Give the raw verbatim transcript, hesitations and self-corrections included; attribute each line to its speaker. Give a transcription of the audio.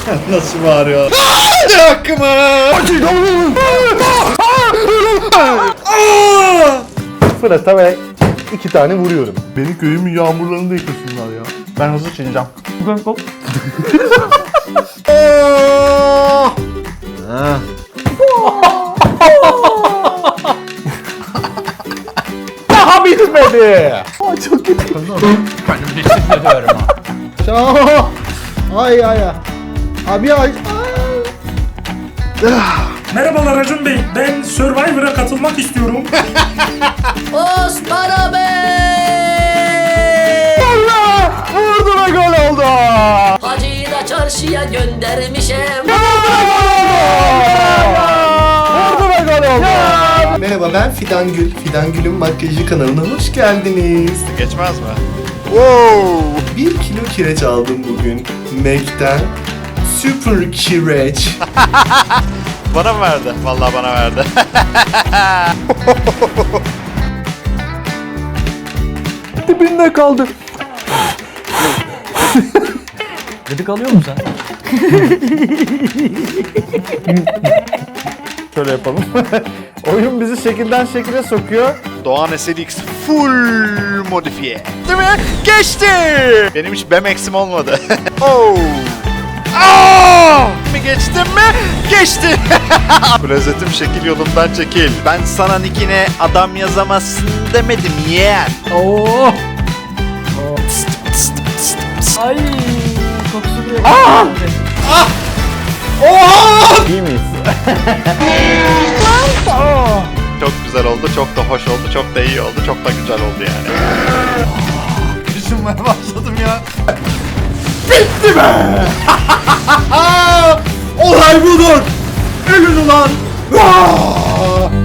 Speaker 1: Nasıl bağırıyor? Ne hakkımı?
Speaker 2: Fırata ve iki tane vuruyorum.
Speaker 3: Benim köyümün yağmurlarını da yıkasınlar ya. Ben hızlı çineceğim.
Speaker 2: Daha bitmedi.
Speaker 3: Aa, çok kötü.
Speaker 4: Kendimi hissediyorum ha.
Speaker 1: Şah! Ay ay ay. Abi ay.
Speaker 5: Merhabalar Acun Bey, ben Survivor'a katılmak istiyorum.
Speaker 6: Osman abi!
Speaker 2: Allah! Vurdu ve gol oldu.
Speaker 6: Hacı'yı da çarşıya göndermişim.
Speaker 2: Vurdu ve gol oldu.
Speaker 1: Merhaba ben Fidan Gül. Fidan Gül'ün makyajı kanalına hoş geldiniz.
Speaker 7: Geçmez mi?
Speaker 1: Bir kilo kireç aldım bugün. Mac'ten. Super kireç.
Speaker 7: Bana mı verdi? Vallahi bana verdi.
Speaker 2: Dibinde kaldı.
Speaker 4: Gıdık alıyor musun sen?
Speaker 2: Şöyle yapalım. Oyun bizi şekilden şekile sokuyor.
Speaker 7: Doğan S L X full modifiye. Değil mi? Geçti! Benim hiç B M X'im olmadı. Oh! Aa! Mi geçtim mi? Geçti! Klozetim şekil yolundan çekil. Ben sana nickine adam yazamazsın demedim yeğen.
Speaker 4: Oo. Ay kokusu bile.
Speaker 2: Aa! İyi miyiz?
Speaker 7: Çok güzel oldu, çok da hoş oldu, çok da iyi oldu, çok da güzel oldu yani.
Speaker 3: Düşünmeye başladım ya.
Speaker 1: Bitti be! Olay budur! Ölün ulan!